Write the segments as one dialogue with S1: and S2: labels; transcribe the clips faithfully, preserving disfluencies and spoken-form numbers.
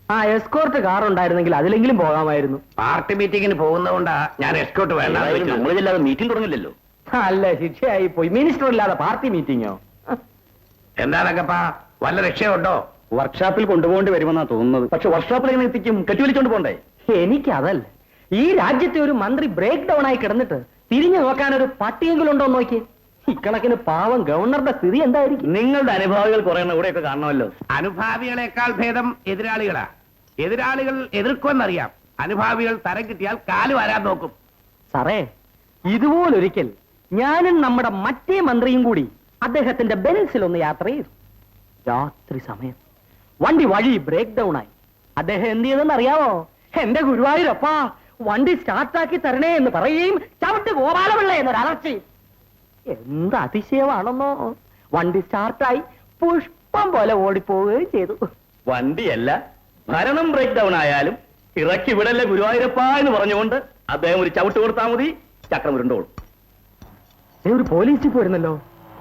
S1: ആ escort car ഉണ്ടായിരുന്നെങ്കിൽ അതിലെങ്കിലും പോകാമായിരുന്നു.
S2: Party മീറ്റിംഗിന് പോകുന്നതുകൊണ്ടാ ഞാൻ എസ്കോർട്ട് വേണ്ട.
S3: നമ്മളില്ലാതെ മീറ്റിംഗ് തുടങ്ങില്ലല്ലോ.
S1: അല്ല, ശിക്ഷയായി പോയി. മിനിസ്റ്റർ ഇല്ലാതെ പാർട്ടി മീറ്റിംഗോ?
S2: എന്താണക്കപ്പാ, വല്ല രക്ഷയുണ്ടോ?
S3: വർക്ക്ഷോപ്പിൽ കൊണ്ടുപോകേണ്ടി വരുമെന്നാ തോന്നുന്നത്. പക്ഷെ വർക്ക്ഷോപ്പിൽ എങ്ങനെ എത്തിക്കും? കെട്ടിവലിച്ചോണ്ട് പോണ്ടേ?
S1: എനിക്കതല്ല, ഈ രാജ്യത്തെ ഒരു മന്ത്രി ബ്രേക്ക് ഡൗൺ ആയി കിടന്നിട്ട് തിരിഞ്ഞു നോക്കാൻ ഒരു പട്ടിയെങ്കിലും ഉണ്ടോ നോക്കിയേ. ഇക്കണക്കിന് പാവം ഗവർണറുടെ സ്ഥിതി എന്തായിരിക്കും?
S3: നിങ്ങളുടെ അനുഭാവികൾ കുറെ ഇവിടെയൊക്കെ കാണണമല്ലോ.
S2: അനുഭാവികളെക്കാൾ ഭേദം എതിരാളികളാ. എതിരാളികൾ എതിർക്കുമെന്നറിയാം, അനുഭാവികൾ തരം കിട്ടിയാൽ കാല് വരാൻ നോക്കും.
S1: സാറേ, ഇതുപോലൊരിക്കൽ ഞാനും നമ്മുടെ മറ്റേ മന്ത്രിയും കൂടി അദ്ദേഹത്തിന്റെ ബെൻസിൽ ഒന്ന് യാത്ര ചെയ്തു. രാത്രി സമയം വണ്ടി വഴി ബ്രേക്ക് ഡൗൺ ആയി. അദ്ദേഹം എന്ത് ചെയ്തെന്ന് അറിയാമോ? എന്റെ ഗുരുവായൂരപ്പാ, വണ്ടി സ്റ്റാർട്ടാക്കി തരണേ എന്ന് പറയുകയും ചവിട്ട് ഗോപാലപിള്ള എന്നൊരു അലർച്ചയും. എന്ത് അതിശയമാണെന്നോ, വണ്ടി സ്റ്റാർട്ടായി പുഷ്പം പോലെ ഓടിപ്പോവുകയും ചെയ്തു.
S3: വണ്ടിയല്ല, ഭരണം ബ്രേക്ക് ഡൗൺ ആയാലും ഇറക്കി വിടല്ലേ ഗുരുവായൂരപ്പ എന്ന് പറഞ്ഞുകൊണ്ട് അദ്ദേഹം ഒരു ചവിട്ട് കൊടുത്താൽ മതി, ചക്രം ഉരുണ്ടോളും.
S1: ഒരു പോലീസ് ജീപ്പ് വരുന്നല്ലോ.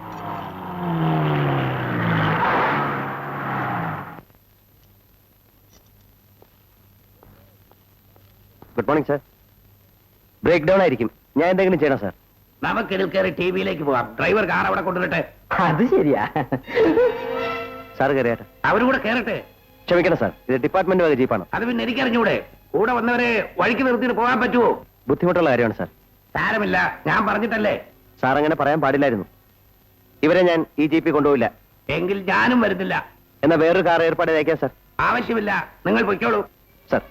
S3: Good morning sir. Break down ആയിരിക്കും, ഞാൻ എന്തെങ്കിലും ചെയ്യണം സാർ?
S2: നമുക്ക് ഇതിൽ കയറി ടി വിയിലേക്ക് പോവാം. ഡ്രൈവർ കാർ അവിടെ കൊണ്ടുവരട്ടെ.
S1: അത് ശരിയാ.
S3: സാർ കയറിയാട്ടെ.
S2: അവരും കൂടെ കയറട്ടെ.
S3: ക്ഷമിക്കണം സാർ, ഇത് ഡിപ്പാർട്ട്മെന്റ് വക ജീപ്പാണ്.
S2: അത് പിന്നെ എനിക്കറിഞ്ഞൂടെ? കൂടെ വന്നവരെ വഴിക്ക് നിർത്തിയിട്ട് പോകാൻ പറ്റുമോ?
S3: ബുദ്ധിമുട്ടുള്ള കാര്യമാണ് സാർ.
S2: സാരമില്ല, ഞാൻ പറഞ്ഞിട്ടല്ലേ.
S3: സാർ അങ്ങനെ പറയാൻ പാടില്ലായിരുന്നു. ഇവരെ ഞാൻ ഈ ജീപ്പിൽ കൊണ്ടുപോയില്ല.
S2: എങ്കിൽ ഞാനും വരുന്നില്ല.
S3: എന്നാ വേറൊരു കാർ ഏർപ്പാട് അയക്കാം സാർ.
S2: ആവശ്യമില്ല, നിങ്ങൾ പൊയ്ക്കോളൂ.
S3: സാർ,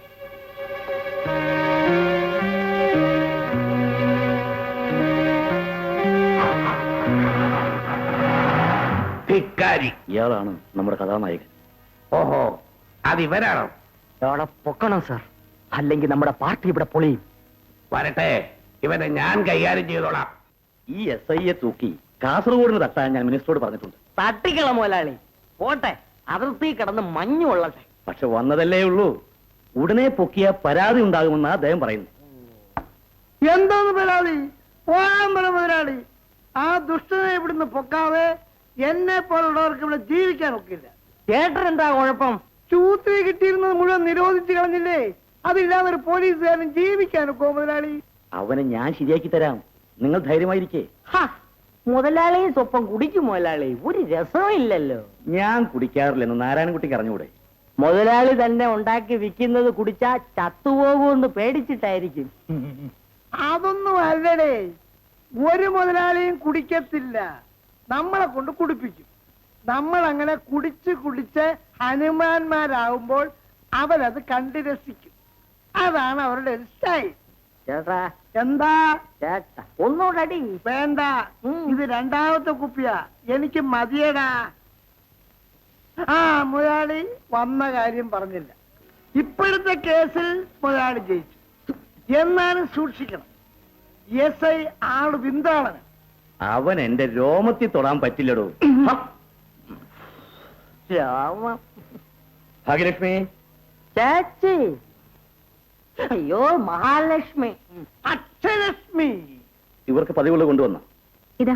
S3: ഇയാളാണ് നമ്മുടെ കഥാനായകൻ.
S2: ഓഹോ, അത് ഇവരാണോ?
S1: അവിടെ പൊക്കണം സാർ, അല്ലെങ്കിൽ നമ്മുടെ പാർട്ടി ഇവിടെ പൊളിയും.
S2: വരട്ടെ, ഇവനെ ഞാൻ കൈകാര്യം ചെയ്തോളാം.
S3: ഈ എസ് ഐയെ തൂക്കി കാസർഗോഡിന് തട്ടാൻ ഞാൻ മിനിസ്റ്ററോട് പറഞ്ഞിട്ടുണ്ട്.
S1: തട്ടിക്കള മുതലാളി, പോട്ടെ, അതിർത്തി കിടന്ന് മഞ്ഞു കൊള്ളട്ടെ.
S3: പക്ഷെ വന്നതല്ലേ ഉള്ളൂ, ഉടനെ പൊക്കിയ പരാതി ഉണ്ടാകുമെന്നാ അദ്ദേഹം പറയുന്നു.
S4: എന്തോന്ന് പരാതി? പോകാൻ പറ മുതലാളി. ആ ദുഷ്ടനെ ഇവിടുന്ന് പൊക്കാതെ എന്നെ പോലുള്ളവർക്ക് ഇവിടെ ജീവിക്കാൻ ഒക്കില്ല.
S1: ചേട്ടൻ എന്താ കുഴപ്പം?
S4: ചൂത്തിരി കിട്ടിയിരുന്നത് മുഴുവൻ നിരോധിച്ചു കളഞ്ഞില്ലേ? അതില്ലാതെ ഒരു പോലീസുകാരൻ ജീവിക്കാനൊക്കോ മുതലാളി?
S3: അവനെ ഞാൻ ശരിയാക്കി തരാം, നിങ്ങൾ ധൈര്യമായിരിക്കേ.
S1: മുതലാളിയും സ്വപ്പം കുടിക്കും മുതലാളി, ഒരു രസവും ഇല്ലല്ലോ.
S3: ഞാൻ കുടിക്കാറില്ലെന്ന് നാരായണൻകുട്ടിക്ക് അറിഞ്ഞുകൂടെ?
S1: മുതലാളി തന്നെ ഉണ്ടാക്കി വിൽക്കുന്നത് കുടിച്ചാ ചത്തുപോകുമെന്ന് പേടിച്ചിട്ടായിരിക്കും.
S4: അതൊന്നും അല്ലടേ, ഒരു മുതലാളിയും കുടിക്കത്തില്ല, നമ്മളെ കൊണ്ട് കുടിപ്പിക്കും. നമ്മൾ അങ്ങനെ കുടിച്ച് കുടിച്ച് ഹനുമാന്മാരാകുമ്പോൾ അവരത് കണ്ടു രസിക്കും. അതാണ് അവരുടെ ഒരു സ്റ്റൈൽ.
S1: ചേട്ടാ,
S4: എന്താ
S1: ചേട്ടാ ഒന്നുകൂടി
S4: വേണ്ട, ഇത് രണ്ടാമത്തെ കുപ്പിയാ, എനിക്ക് മതിയടാ. ആ മുതലാളി വന്ന കാര്യം പറഞ്ഞില്ല. ഇപ്പോഴത്തെ കേസിൽ മുതലാളി ജയിച്ചു, എന്നാലും സൂക്ഷിക്കണം. എസ് ഐ ആള് വിന്താളന്.
S3: അവൻ എന്റെ രോമത്തിൽ തൊടാൻ പറ്റില്ലടോ. ഭാഗ്യലക്ഷ്മി,
S1: ചേച്ചി, അയ്യോ മഹാലക്ഷ്മി,
S4: അക്ഷലക്ഷ്മി.
S3: ഇവർക്ക് പതിവുള്ള കൊണ്ടുവന്ന
S5: ഇതാ.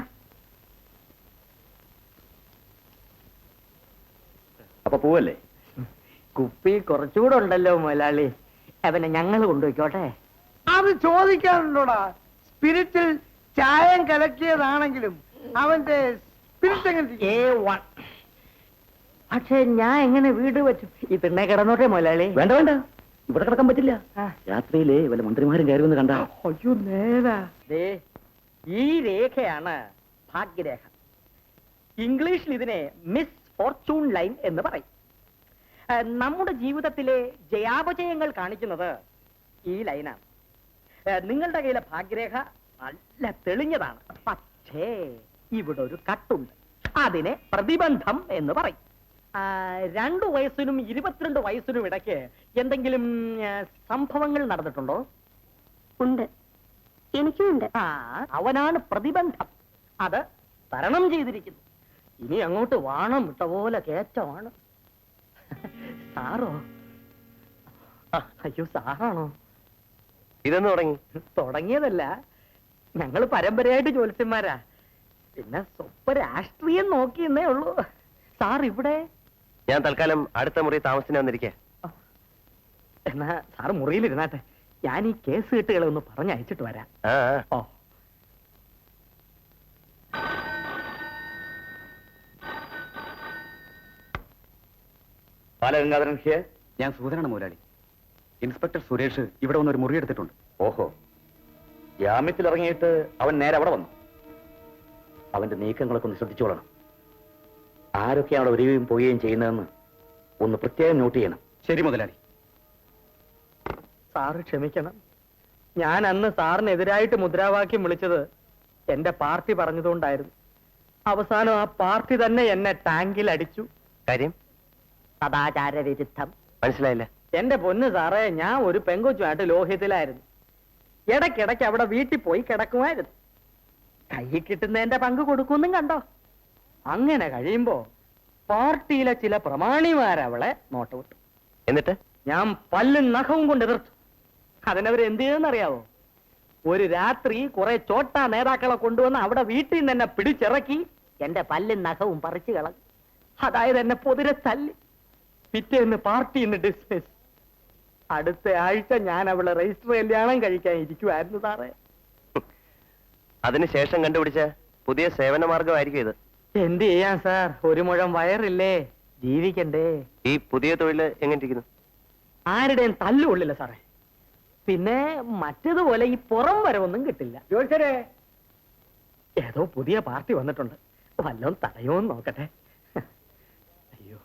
S3: അപ്പൊ പോവല്ലേ?
S1: കുപ്പി കുറച്ചുകൂടെ ഉണ്ടല്ലോ മുതലാളി, അവനെ ഞങ്ങൾ കൊണ്ടുപോയിക്കോട്ടെ.
S4: അത് ചോദിക്കാനുണ്ടോടാ? സ്പിരിറ്റിൽ ചായം കലക്കിയതാണെങ്കിലും അവന്റെ സ്പിരിറ്റ് എങ്ങനെ?
S1: പക്ഷെ ഞാൻ എങ്ങനെ വീട് വെച്ചു? ഈ തിണ്ണെ കിടന്നോട്ടെ മുതലാളി.
S3: വേണ്ട വേണ്ട, ഇവിടെ കിടക്കാൻ പറ്റില്ല. രാത്രിയിലെ വല്ല മന്ത്രിമാരും കയറി വന്ന് കണ്ടാ.
S4: അയ്യോ നേരാ.
S1: ഈ രേഖയാണ് ഭാഗ്യരേഖ. ഇംഗ്ലീഷിൽ ഇതിനെ മിസ് ഫോർച്യൂൺ ലൈൻ എന്ന് പറയും. നമ്മുടെ ജീവിതത്തിലെ ജയാപജയങ്ങൾ കാണിക്കുന്നത് ഈ ലൈനാണ്. നിങ്ങളുടെ കയ്യിലെ ഭാഗ്യരേഖ നല്ല തെളിഞ്ഞതാണ്, പക്ഷേ ഇവിടെ ഒരു കട്ടുണ്ട്. അതിനെ പ്രതിബന്ധം എന്ന് പറയും. രണ്ടു വയസ്സിനും ഇരുപത്തിരണ്ട് വയസ്സിനും ഇടയ്ക്ക് എന്തെങ്കിലും സംഭവങ്ങൾ നടന്നിട്ടുണ്ടോ?
S5: ഉണ്ട്, എനിക്കുമുണ്ട്.
S1: ആ, അവനാണ് പ്രതിബന്ധം. അത് തരണം ചെയ്തിരിക്കുന്നു. ഇനി അങ്ങോട്ട് വാണം വിട്ട പോലെ കേറ്റമാണ്. സാറോ? അയ്യോ, സാറാണോ?
S3: ഇതെന്ന് തുടങ്ങി?
S1: തുടങ്ങിയതല്ല, ഞങ്ങൾ പരമ്പരയായിട്ട് ജ്യോത്സ്യന്മാരാ. പിന്നെ സ്വപ്പ രാഷ്ട്രീയം നോക്കിയെന്നേ ഉള്ളൂ. സാർ ഇവിടെ?
S3: ഞാൻ തൽക്കാലം അടുത്ത മുറി താമസിക്കാൻ വന്നിരിക്കേ.
S1: എന്നാ സാറ് മുറിയിലിരുന്നാട്ടെ, ഞാൻ ഈ കേസ് കെട്ടുകളെ ഒന്ന് പറഞ്ഞയച്ചിട്ട് വരാം. ഓ
S3: ബാലഗംഗാധരൻ ഹിയർ.
S6: ഞാൻ സൂചനാണ് മുതലാളി. ഇൻസ്പെക്ടർ സുരേഷ് ഇവിടെ വന്നൊരു മുറിയെടുത്തിട്ടുണ്ട്.
S3: ഓഹോ, ജാമ്യത്തിൽ ഇറങ്ങിയിട്ട് അവൻ നേരെ അവിടെ വന്നു. അവന്റെ നീക്കങ്ങളൊക്കെ ഒന്ന് ശ്രദ്ധിച്ചോളണം. ആരൊക്കെയാണ് അവിടെ വരികയും പോവുകയും ചെയ്യുന്നതെന്ന് ഒന്ന് പ്രത്യേകം നോട്ട് ചെയ്യണം.
S6: ശരി മുതലാളി.
S1: സാറ് ക്ഷമിക്കണം, ഞാൻ അന്ന് സാറിനെതിരായിട്ട് മുദ്രാവാക്യം വിളിച്ചത് എന്റെ പാർട്ടി പറഞ്ഞതുകൊണ്ടായിരുന്നു. അവസാനം ആ പാർട്ടി തന്നെ എന്നെ ടാങ്കിൽ അടിച്ചു.
S2: കാര്യം
S1: സദാചാര വിരുദ്ധം.
S2: മനസ്സിലായില്ല.
S1: എന്റെ പൊന്ന് സാറേ, ഞാൻ ഒരു പെങ്കൊച്ചുമായിട്ട് ലോഹ്യത്തിലായിരുന്നു. ഇടയ്ക്കിടയ്ക്ക് അവിടെ വീട്ടിൽ പോയി കിടക്കുമായിരുന്നു. കൈ കിട്ടുന്നതിന്റെ പങ്ക് കൊടുക്കുമെന്നും കണ്ടോ. അങ്ങനെ കഴിയുമ്പോ പാർട്ടിയിലെ ചില പ്രമാണിമാരവളെ നോട്ട് വിട്ടു.
S2: എന്നിട്ട്
S1: ഞാൻ പല്ലും നഖവും കൊണ്ട് എതിർത്തു. അതിനവർ എന്ത് ചെയ്തെന്നറിയാവോ? ഒരു രാത്രി കുറെ ചോട്ടാ നേതാക്കളെ കൊണ്ടുവന്ന് അവിടെ വീട്ടിൽ നിന്ന് എന്നെ പിടിച്ചിറക്കി എന്റെ പല്ലും നഖവും പറിച്ചു കളഞ്ഞു. അതായത് എന്നെ പൊതിരെ തല്ലി. പിറ്റേന്ന് പാർട്ടിന്ന് ഡിസ്മിസ്. അടുത്ത ആഴ്ച ഞാൻ അവളെ രജിസ്റ്റർ കല്യാണം കഴിക്കാൻ ഇരിക്കുവായിരുന്നു സാറേ.
S2: അതിനുശേഷം കണ്ടുപിടിച്ച പുതിയ സേവന മാർഗമായിരിക്കും ഇത്.
S1: എന്ത് ചെയ്യാൻ സാർ, ഒരു മുഴം വയറില്ലേ, ജീവിക്കണ്ടേ.
S2: ഈ പുതിയ തൊഴിൽ എങ്ങനെ ഇരിക്കുന്നു?
S1: ആരുടെയും തല്ലുകൊള്ളില്ല സാറേ. പിന്നെ മറ്റേതുപോലെ ഈ പുറം വരവൊന്നും കിട്ടില്ല. ജോത്സരെ, ഏതോ പുതിയ പാർട്ടി വന്നിട്ടുണ്ട്, വല്ലതും തടയോന്ന് നോക്കട്ടെ. അയ്യോ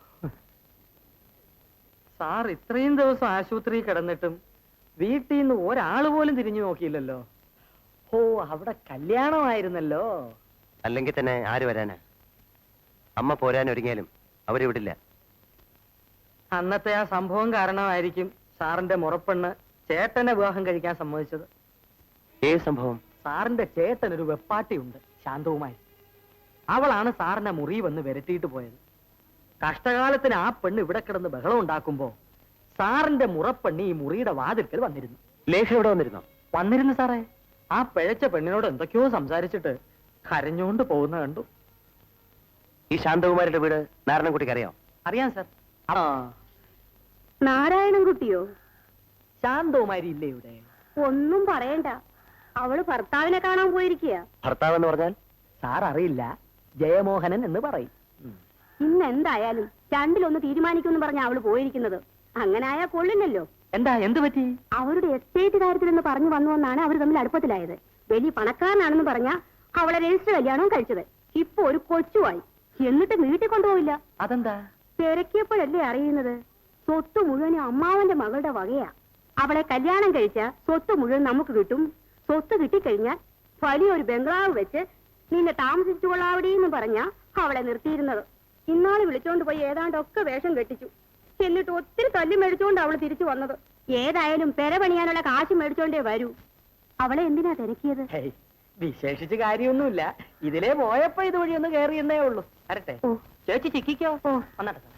S1: സാർ, ഇത്രയും ദിവസം ആശുപത്രിയിൽ കിടന്നിട്ടും വീട്ടിൽ നിന്ന് ഒരാൾ പോലും തിരിഞ്ഞു നോക്കിയില്ലല്ലോ. ഓ, അവിടെ കല്യാണമായിരുന്നല്ലോ.
S2: അല്ലെങ്കിൽ തന്നെ ആര് വരാനാ? അമ്മ പോരാൻ ഒരുങ്ങിയാലും അവര് വിടില്ല.
S1: അന്നത്തെ ആ സംഭവം കാരണമായിരിക്കും സാറിന്റെ മുറപ്പെണ്ണ് ചേട്ടനെ വിവാഹം കഴിക്കാൻ സമ്മതിച്ചത്.
S2: ഏത് സംഭവം?
S1: സാറിന്റെ ചേട്ടൻ ഒരു വെപ്പാട്ടിയുണ്ട്, ശാന്തവുമായി. അവളാണ് സാറിനെ മുറി വന്ന് വിരട്ടിയിട്ട് പോയത്. കഷ്ടകാലത്തിന് ആ പെണ്ണ് ഇവിടെ കിടന്ന് ബഹളം ഉണ്ടാക്കുമ്പോ സാറിന്റെ മുറപ്പെണ്ണ് ഈ മുറിയുടെ വാതിൽക്കൽ വന്നിരുന്നു.
S2: ലേഖ ഇവിടെ വന്നിരുന്നോ?
S1: വന്നിരുന്നു സാറേ. ആ പിഴച്ച പെണ്ണിനോട് എന്തൊക്കെയോ സംസാരിച്ചിട്ട് കരഞ്ഞുകൊണ്ട് പോകുന്ന കണ്ടു.
S2: ഈ ശാന്തകുമാരിയുടെ വീട് നാരായണൻകുട്ടിക്ക് അറിയാം?
S1: അറിയാം സാർ. ആ,
S5: നാരായണൻകുട്ടിയോ?
S1: ശാന്തകുമാരി ഇല്ലേ ഇവിടെ?
S5: ഒന്നും പറയണ്ട, അവള് ഭർത്താവിനെ കാണാൻ പോയിരിക്കുക.
S2: ഭർത്താവ് എന്ന് പറഞ്ഞാൽ?
S1: സാർ അറിയില്ല, ജയമോഹനൻ എന്ന് പറയും.
S5: ഇന്ന് എന്തായാലും രണ്ടിലൊന്ന് തീരുമാനിക്കുമെന്ന് പറഞ്ഞ അവള് പോയിരിക്കുന്നത്. അങ്ങനെ ആയാ കൊള്ളില്ലല്ലോ.
S1: എന്താ, എന്ത് പറ്റി?
S5: അവരുടെ എസ്റ്റേറ്റ് കാര്യത്തിലെന്ന് പറഞ്ഞു വന്നുവെന്നാണ് അവർ തമ്മിൽ അടുപ്പത്തിലായത്. വലിയ പണക്കാരനാണെന്ന് പറഞ്ഞ അവളെ രജിസ്റ്റർ കല്യാണവും കഴിച്ചത്. ഇപ്പൊ ഒരു കൊച്ചുമായി, എന്നിട്ട് വീട്ടിൽ കൊണ്ടുപോയില്ല.
S1: അതെന്താ?
S5: തിരക്കിയപ്പോഴല്ലേ അറിയുന്നത് സ്വത്ത് മുഴുവനും അമ്മാവന്റെ മകളുടെ വകയാ. അവളെ കല്യാണം കഴിച്ച സ്വത്ത് മുഴുവൻ നമുക്ക് കിട്ടും. സ്വത്ത് കിട്ടിക്കഴിഞ്ഞാൽ വലിയൊരു ബംഗ്ലാവ് വെച്ച് നിന്നെ താമസിച്ചു കൊള്ളാവിടെയെന്ന് പറഞ്ഞ അവളെ നിർത്തിയിരുന്നത്. ഇന്നാള് വിളിച്ചോണ്ട് പോയി ഏതാണ്ടൊക്കെ വേഷം കെട്ടിച്ചു. എന്നിട്ട് ഒത്തിരി തല്ലി മേടിച്ചുകൊണ്ട് അവള് തിരിച്ചു വന്നത്. ഏതായാലും പെര പണിയാനുള്ള കാശ് മേടിച്ചോണ്ടേ വരൂ. അവളെ എന്തിനാ തിരക്കിയത്?
S1: ഹേയ്, വിശേഷിച്ച് കാര്യമൊന്നുമില്ല. ഇതിലേ പോയപ്പോ ഇതുവഴി ഒന്ന് കയറിയെന്നേ ഉള്ളൂ. വരട്ടെ.
S5: ഓ.
S1: ചേച്ചി ചിക്കിക്കോ. വന്നട്ടെ.